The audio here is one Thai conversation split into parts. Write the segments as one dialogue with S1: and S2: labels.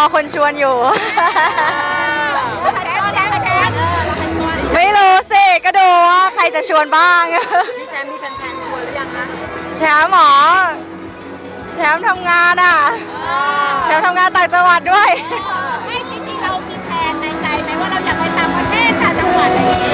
S1: คนชวนอยู่ ไม่รู้สิก็ดูว่าใครจะชวนบ้าง
S2: พี่แชมป์มีแฟนๆชวนหรือยังคะ
S1: แชมป์หมอแชมป์ทำงานอ่ะแชมป์ทำงานต่างจังหวัดด้วย
S3: ไม่จริงๆเรามีแผนในใจไหมว่าเราอยากไปต่างประเทศต่างจังหวัดอะไรอย่างเงี้ย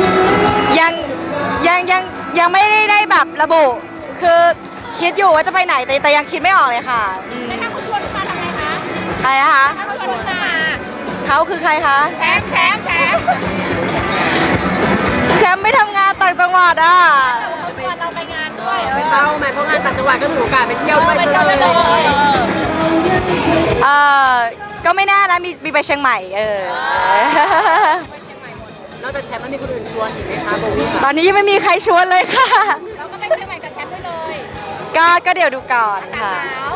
S1: ยังไม่ได้แบบระบุ คือคิดอยู่ว่าจะไปไหนแต่ยังคิดไม่ออกเลยค่ะ
S3: แล้วถ้าคุณชวนมาทำไงคะ
S1: ใครนะคะ
S3: ถ้าคุณชวนมา
S1: เขาคือใครคะ
S3: แถม
S1: แชมป์ไม่ทำงานต่างจังหวัดอ่ะ
S3: เขาชวนเราไปงานด้วย
S2: ไปเต้าไหมเพราะงานต่างจังหวัดก็ถือโอกาสไปเที่ยวด้วย
S3: ไปเที่ยวเลย
S1: เออก็ไม่แน่นะมีไปเชียงใหม่
S2: นอกจากแชมป์มันมีคนอื่นชวนอีกไหมคะโบวี่
S1: ตอนนี้ยังไม่มีใครชวนเลยค่ะ
S3: เราก็ไปเชียงใหม่กับแชมป์ได้เลย
S1: ก็เดี๋ยวดูก่อนค่ะ
S3: หนาว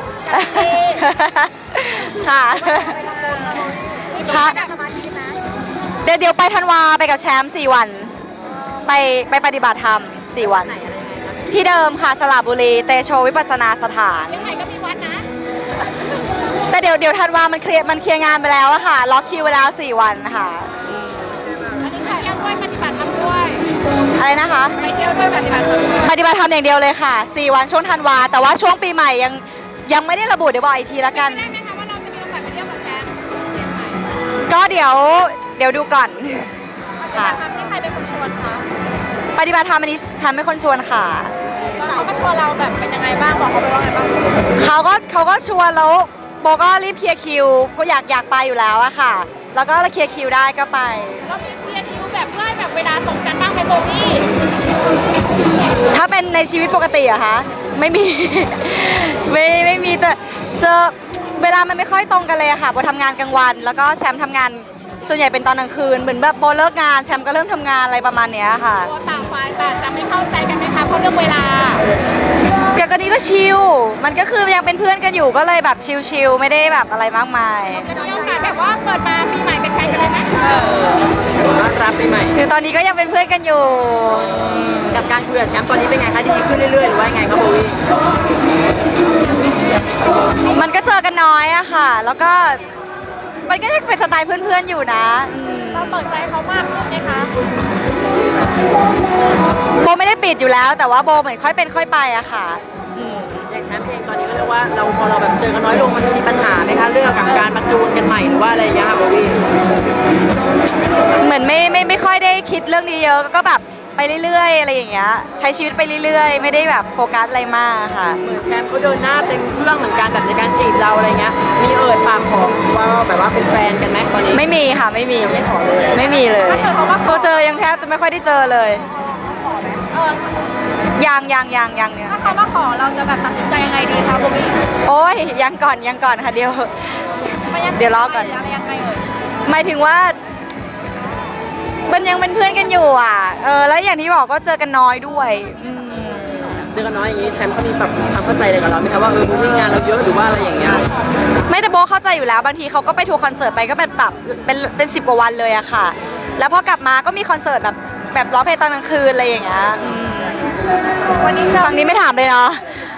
S1: ค่ะค่ะ
S3: สมาธินะ
S1: เดี๋ยวไปธันวาไปกับแชมป์4 วัน ไปปฏิบัติธรรม4 วัน ที่เดิมค่ะสระบุรีเตโชวิปัสสนาสถาน
S3: เชียงใหม่ก็มีวัดนะ
S1: แต่เดี๋ยวธันวามันเคลียร์งานไปแล้วอะค่ะล็อกคิวไปแล้ว4 วันค่ะ
S3: อันนี้ค่ะเที่ยวด้วยปฏิบัติธรรมด้วย
S1: อะไรนะคะ
S3: ไปเที่ยวด้วยปฏิบัติธรรมด้วย
S1: ปฏิบัติธรรมอย่างเดียวเลยค่ะ4 วันช่วงธันวาแต่ว่าช่วงปีใหม่ยังไม่ได้ระบุเดี๋ยวบอกอีกทีละกัน
S3: ได้ไหมคะว่าเราจะมีโอกาสไปเที่ยวกับแชมป์เชียงใหม่
S1: ก็เดี๋ยวดูก่อนค่ะ
S3: ทำที่ใครเป็นคนชวนคะ
S1: ปฏิบัติธรรมอันนี้ฉันเป็นคนชวนค่ะ
S3: แล้วเขามาชวนเราแบบเป็นยังไงบ้างบอกเขาไปว่าไงบ้าง
S1: เขาก็ชวนแล้วโบก็รีบเคลียร์คิวก็อยากไปอยู่แล้วอะค่ะ แล้วก็เคลียร์คิวได้ก็ไป
S3: เรามีเคลียร์คิวแบบเพื่อให้แบบเวลาส่งกันบ้างไหมโบวี่
S1: ถ้าเป็นในชีวิตปกติอะคะไม่มี ไม่มีแต่เจอเวลามันไม่ค่อยตรงกันเลยอะค่ะโบทำงานกลางวัน แล้วก็แชมป์ทำงานส่วนใหญ่เป็นตอนกลางคืนเหมือนแบบโบเลิกงานแชมป์ก็เริ่มทำงานอะไรประมาณเนี้ยค่ะ
S3: ตัวต่างฝ่ายต่างจะไม่เข้าใจกันไหมคะเพราะเรื่องเวลา
S1: แต่ก็นี้ก็ชิลมันก็คือยังเป็นเพื่อนกันอยู่ก็เลยแบบชิลๆไม่ได้แบบอะไรมากมาย
S3: จะมีโอกาสแบบว่าเปิดมาปีใหม่เป็นแฟนกันเลยไหม
S2: ต้อนรับปีใหม่
S1: คือตอนนี้ก็ยังเป็นเพื่อนกันอยู่
S2: กับการคุยกับแชมป์ตอนนี้เป็นไงคะดีขึ้นเรื่อยๆหรือว่าไงครับโบวี่
S1: มันก็เจอกันน้อยอะค่ะ แล้วก็มันก็ยังเป็นสไตล์เพื่อนๆอยู่นะ
S3: เราเปิดใจเขามากขึ้นไหมคะ
S1: โบไม่ได้ปิดอยู่แล้ว แต่ว่าโบเหมือนค่อยเป็นค่อยไปอะค่ะ
S2: อย่างแชมป์เองตอนนี้ก็เรียกว่าเราพอเราแบบเจอกันน้อยลงมันมีปัญหาไหมคะเรื่องกับการมาจูนกันใหม่หรือว่าอะไรอย่างเงี้ยค่ะโบวี่
S1: เหมือนไม่ค่อยได้คิดเรื่องนี้เยอะก็แบบไปเรื่อยๆอะไรอย่างเงี้ยใช้ชีวิตไปเรื่อยๆ ไม่ได้แบบโฟกัสอะไรมากค่ะ
S2: เหมือนแชมป์เขาเดินหน้าเต็มเครื่องเหมือนกันแบบในการจีบเราอะไรเงี้ยมีปากขอว่าแบบว่าเป็นแฟนกันไหมตอนนี้
S1: ไม่มีค่ะไม่มี
S2: ไม่ขอเลย
S1: ไม่มีเลยพอเจอยังแทบจะไม่ค่อยได้เจอเลยยังเนี่ย
S3: ถ้าเขามาขอเราจะแบบตัดสินใจยังไงดีคะโบวี่
S1: โอ้ยยังก่อนค่ะเดี๋ยวรอก่อน
S3: อะไรยังไงเอ่ย
S1: หมายถึงว่ามันยังเป็นเพื่อนกันอยู่อ่ะแล้วอย่างที่บอกก็เจอกันน้อยด้วย
S2: เจอกันน้อยอย่างนี้แชมป์เขามีปรับความเข้าใจอะไรกับเราไหมคะว่ามึงงานเราเยอะหรือว่าอะไรอย่างเงี้ย
S1: ไม่แต่โบเข้าใจอยู่แล้วบางทีเขาก็ไปทัวร์คอนเสิร์ตไปก็แบบเป็น10 กว่าวันเลยอะค่ะ แล้วพอกลับมาก็มีคอนเสิร์ตแบบร้องเพลงตอนกลางคืนอะไรอย่างเงี้ยวันนี้ฝั่งนี้ไม่ถามเลยเนาะ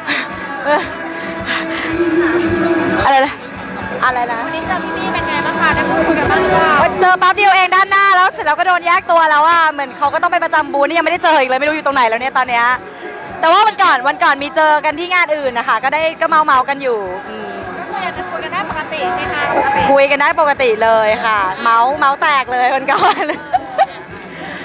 S1: อะไรนะ
S3: วันนี้เจอพี่มี่เป็นไงบ้างคะได้พูดคุยกันบ้างหรือเปล่า
S1: เจอแป๊บเดียวเองด้านหน้าแล้วเสร็จแล้วก็โดนแยกตัวแล้วอ่ะเหมือนเขาก็ต้องไปประจำบูธนี่ยังไม่ได้เจออีกเลยไม่รู้อยู่ตรงไหนแล้วเนี่ยตอนเนี้ยแต่ว่าวันก่อนมีเจอกันที่งานอื่นนะคะก็เมากันอยู่
S3: ก็คือยังจะคุยกันได้ปกติไหมคะปกติ
S1: คุยกันได้ปกติเลยค่ะ เมาแตกเลยวันก่อน